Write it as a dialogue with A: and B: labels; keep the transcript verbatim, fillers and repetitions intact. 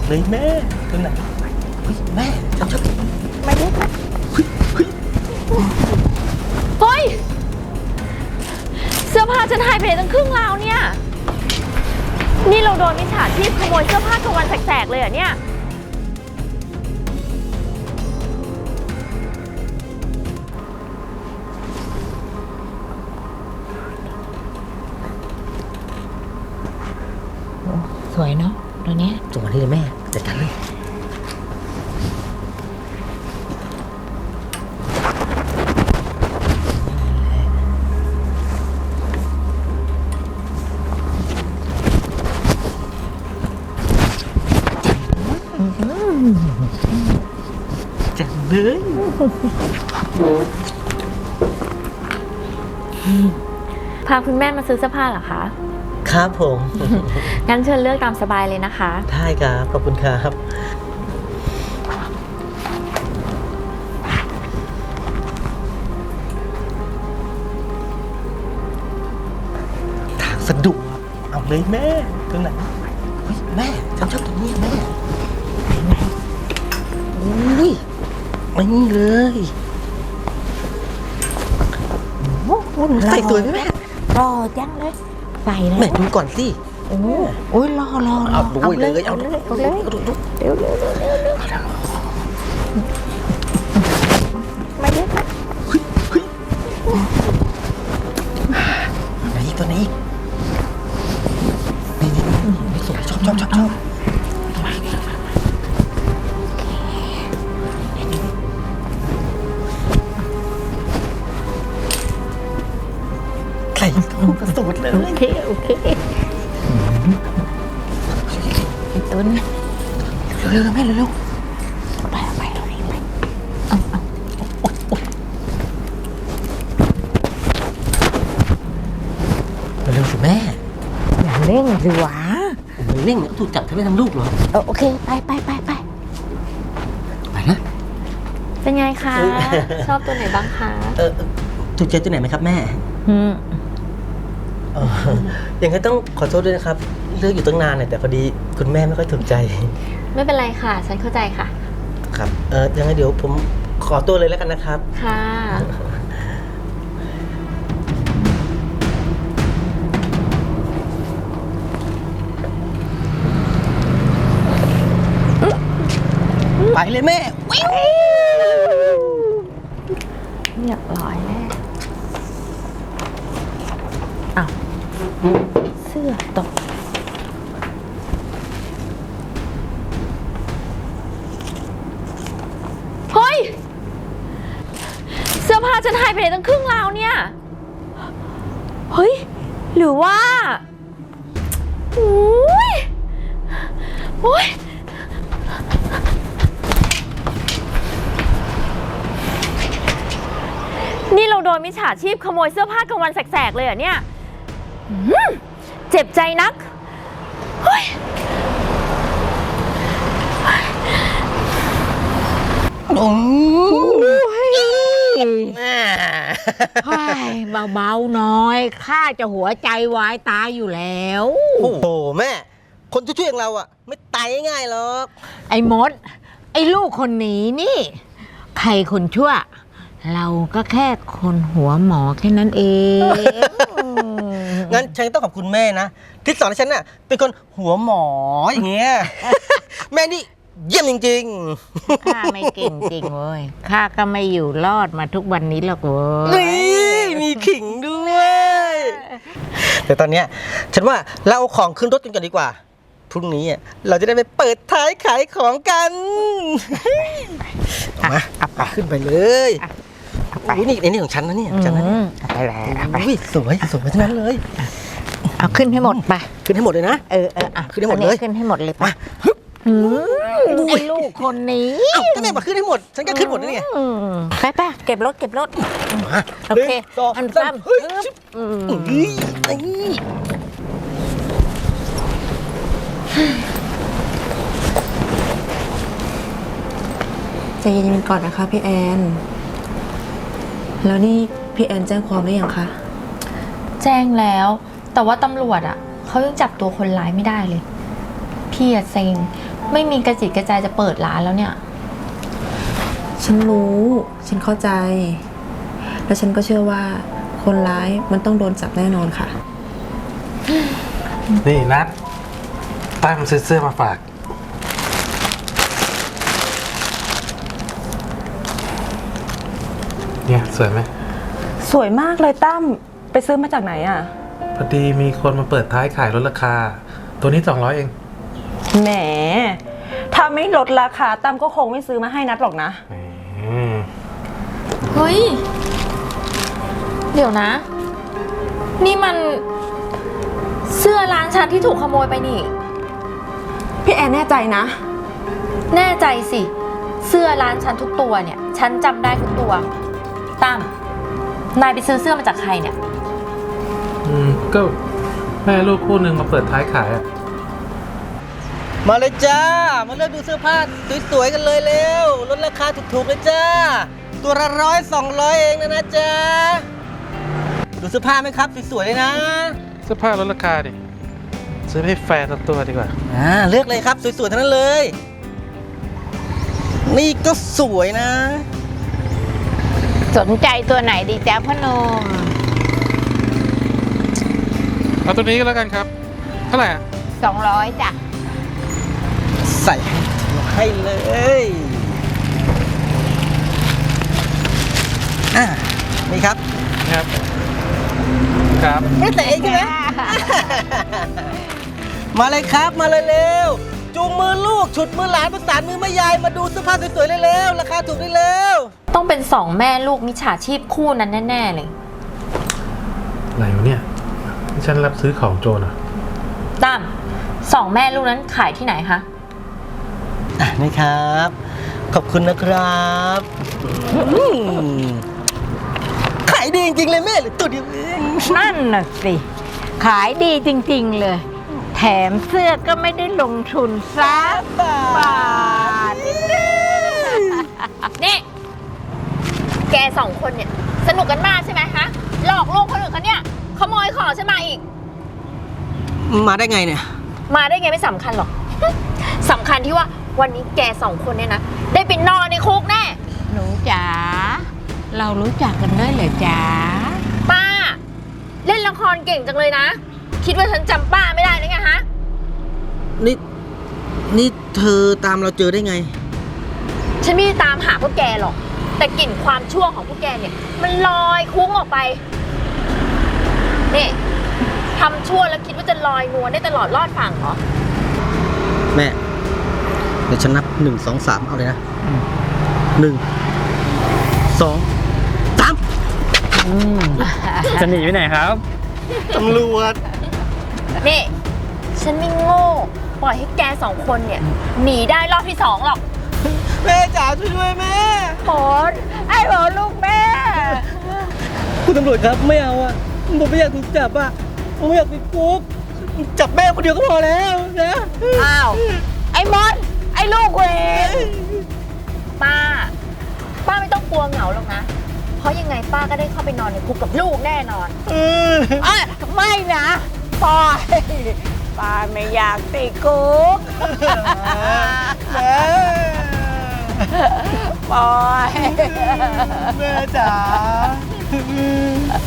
A: เลยแม่ตรงไหนแม่ฉันชอบไม่รู้เฮ้ยเฮ้ย
B: เฮ้ยเสื้อผ้าฉันหายไปไหนตั้งครึ่งราวเนี่ยนี่เราโดนมิจฉาชีพขโมยเสื้อผ้ากลางวันแสกๆเลยเหรอเนี่ยสวยเนาะตัวนี้
A: ส่งมาที่เลยแม่จัดการเลยจังเลย
B: พาคุณแม่มาซื้อเสื้อผ้าเหรอคะ
A: ครับผม
B: งั้นเชิญเลือกตามสบายเลยนะคะ
A: ได้ครับขอบคุณครับทางสะดวกเอาเลยแม่ตรงไหนแม่ฉันชอบตรงนี้แม่อุ้ยไม่เลยโอ้โหใส่ตัวแม่
B: รอจังเลยใส่เลย
A: แม่ดูก่อนสิ
B: โอ้โอ้ยรอรอ
A: เอาดูเลยเอา
B: เลยเอาเลย
A: เร็วเร็วเร็วเร็วเร็ว
B: ไม่ได้
A: เฮ้ยเฮ้ยไหนตัวนี้นี่นี่นี่สวยชอบชอบชอบชอบใส่ตัวกระสุนเลย
B: โอเคโอเคไอ้ต้น
A: เร็วๆแม่เร็ว
B: ๆไปไปเรารีบไปเอาเอา
A: เร็วๆสิแม่
B: อย่าเร่งสิวะ
A: มันเร่งเนี่ยถูกจับทำไมทำลูกเหรอ
B: เออโอเคไปไปไปไป
A: ไปนะ
B: เป็นไงคะชอบตัวไหนบ้างคะ
A: เออถูกใจตัวไหนไหมครับแม่
B: อืม
A: อย่างนั้นต้องขอโทษด้วยนะครับเลือกอยู่ตั้งนานเนี่ยแต่พอดีคุณแม่ไม่ค่อยถูกใจ
B: ไม่เป็นไรค่ะฉันเข้าใจค่ะ
A: ครับเออยังไงเดี๋ยวผมขอตัวเลยแล้วกันนะครับ
B: ค่ะ
A: ไปเลยแม่วิว
B: เรียบร้อยแล้วอ้าวเสื้อตกเฮ้ยเสื้อผ้าฉันหายไปไหนตั้งครึ่งราวเนี่ยเฮ้ยหรือว่าโอ้ยโอ้ยนี่เราโดนมิจฉาชีพขโมยเสื้อผ้ากลางวันแสกๆเลยเหรอเนี่ยเจ็บใจนักเฮ้ย
A: โอ้
C: ยเบาๆน้อยข้าจะหัวใจวายตายอยู่แล้ว
A: โอ้โหแม่คนช่วยๆอย่างเราอ่ะไม่ตายง่ายหรอก
C: ไอ้มดไอ้ลูกคนนี้นี่ใครคนชั่วเราก็แค่คนหัวหมอแค่นั้นเอง
A: งั้นฉันต้องขอบคุณแม่นะที่สอนให้ฉันน่ะเป็นคนหัวหมออย่างเงี้ยแม่นี่เยี่ยมจริง
C: ๆข้าไม่เก่งจริงเว้ยข้าก็ไม่อยู่รอดมาทุกวันนี้หรอกเว้ย
A: นี่มีขิงด้วยแต่ตอนเนี้ยฉันว่าเราเอาของขึ้นรถกันก่อนดีกว่าพรุ่งนี้เราจะได้ไปเปิดท้ายขายของกันมาอับปะขึ้นไปเลยโอ้ยนี่ในนี่ของฉันนะเนี่ยฉันนะเนี่ย
C: ไปแล้ว
A: อุ้ยสวยสวยทั้งนั้นเลย
C: เอาขึ้นให้หมดไป
A: ขึ้นให้หมดเลยนะ
C: เออเออ
A: ขึ้นให้หมดเลย
C: ขึ้นให้หมดเลยไปไอ้ลูกคนนี้
A: ก็แม่มาขึ้นให้หมดฉันก็ขึ้นหมดนี่ไง
C: ไปไปเก็บรถเก็บรถโอเคอันซ้ำ
D: ใจเย็นๆก่อนนะคะพี่แอนแล้วนี่พี่แอนแจ้งความหรือยังคะ
B: แจ้งแล้วแต่ว่าตำรวจอ่ะเขายังจับตัวคนร้ายไม่ได้เลยพี่อะเซ็งไม่มีกระจิตกระใจจะเปิดร้านแล้วเนี่ย
D: ฉันรู้ ฉันเข้าใจ และฉันก็เชื่อว่าคนร้ายมันต้องโดนจับแน่นอนค่ะ
E: นี่นัดตั้มซื้อเสื้อมาฝาก เนี่ยสวยไหม
F: สวยมากเลยตั้มไปซื้อมาจากไหนอ่ะ
E: พอดีมีคนมาเปิดท้ายขายลดราคา ตัวนี้สองร้อยเอง
F: แหม ถ้าไม่ลดราคาตั้มก็คงไม่ซื้อมาให้นัดหรอกนะ
E: อืม
B: เฮ้ย เดี๋ยวนะ นี่มันเสื้อร้านฉันที่ถูกขโมยไปนี่
D: พี่แอนแน่ใจนะ
B: แน่ใจสิ เสื้อร้านฉันทุกตัวเนี่ย ฉันจำได้ทุกตัวตั้มนายไปซื้อเสื้อมาจากใครเนี่ย
E: อืมก็แม่ลูกคู่หนึ่งมาเปิดท้ายขายอะ
A: มาเลยจ้า มาเลือกดูเสื้อผ้าสวยๆกันเลยเร็วลดราคาถูกๆเลยจ้า ตัวละร้อยสองร้อยเองนะนะจ๊ะดูเสื้อผ้าไหมครับสวยๆเลยนะ
E: เสื้อผ้าลดราคาดิซื้อให้แฟนสักตัวดีกว่า
A: อ่าเลือกเลยครับสวยๆทั้งนั้นเลย นี่ก็สวยนะ
C: สนใจตัวไหนดีจ๊ะพ่อหนุ่ม
E: เอาตัวนี้ก็แล้วกันครับ เท่าไหร่อะ
C: สองร้อยจ้ะ
A: ใส่ให้เลยอ่านี่ครับ
E: ครับ ครับ
A: ไม่ใส่เองใช่ไหม มาเลยครับมาเลยเร็วจูงมือลูกฉุดมือหลานประสานมือแม่ยายมาดูเสื้อผ้าสวยๆเลยเร็วราคาถูกได้เร็ว
B: ต้องเป็นสองแม่ลูกมิจฉาชีพคู่นั้นแน่ๆเลย
E: อะไรวะเนี่ยนี่ฉันรับซื้อของโจรเหรอ
B: ตั้มสองแม่ลูกนั้นขายที่ไหนคะ
A: อ่ะนี่ครับ ขอบคุณนะครับอืมขายดีจริงๆเลยแม่หรือตัวเดียวเอง
C: นั่นน่ะสิ ขายดีจริงๆเลย แถมเสื้อก็ไม่ได้ลงทุนสักบาท
B: นี่ แกสองคนเนี่ย สนุกกันมากใช่ไหมคะหลอกลวงคนอื่นเขาเนี่ยขโมยของฉันมาอีก
A: มาได้ไงเนี่ย
B: มาได้ไงไม่สำคัญหรอก สำคัญที่ว่าวันนี้แกสองคนเนี่ยนะ ได้ไปนอนในคุกแน่
C: หนูจ๋า เรารู้จักกันด้วยเหรอจ๊ะ
B: ป้า เล่นละครเก่งจังเลยนะ คิดว่าฉันจำป้าไม่ได้นะไงฮะ
A: นี่ นี่เธอตามเราเจอได้ไง
B: ฉันไม่ได้ตามหาพวกแกหรอก แต่กลิ่นความชั่วของพวกแกเนี่ย มันลอยคุ้งออกไป นี่ทำชั่วแล้วคิดว่าจะลอยนวลได้ตลอดรอดฝั่งเหรอ
A: แม่ เดี๋ยวฉันนับหนึ่งสองสามเอาเลยนะหนึ่งสองสาม
G: จะหนีไปไหนครับ
A: ตำรวจ
B: นี่ ฉันไม่โง่ ปล่อยให้แกสองคนเนี่ย หนีได้รอบที่สองหรอก
A: แม่จ๋าช่วยด้วยแม่
C: โหนไอ้โหนลูกแม่
A: คุณตำรวจครับไม่เอาอ่ะผมไม่อยากถูกจับอ่ะผมไม่อยากติดคุกจับแม่คนเดียวก็พอแล้วนะ
C: อ้าว ไอ้มด ไอ้ลูกเวร
B: ป้า ป้าไม่ต้องกลัวเหงาหรอกนะ เพราะยังไงป้าก็ได้เข้าไปนอนในคุกกับลูกแน่นอน
A: เออ
C: เอ้ยไม่นะปล่อยป้าไม่อยากติดคุก
A: แม่
C: ปล่อย
A: แม่จ๋า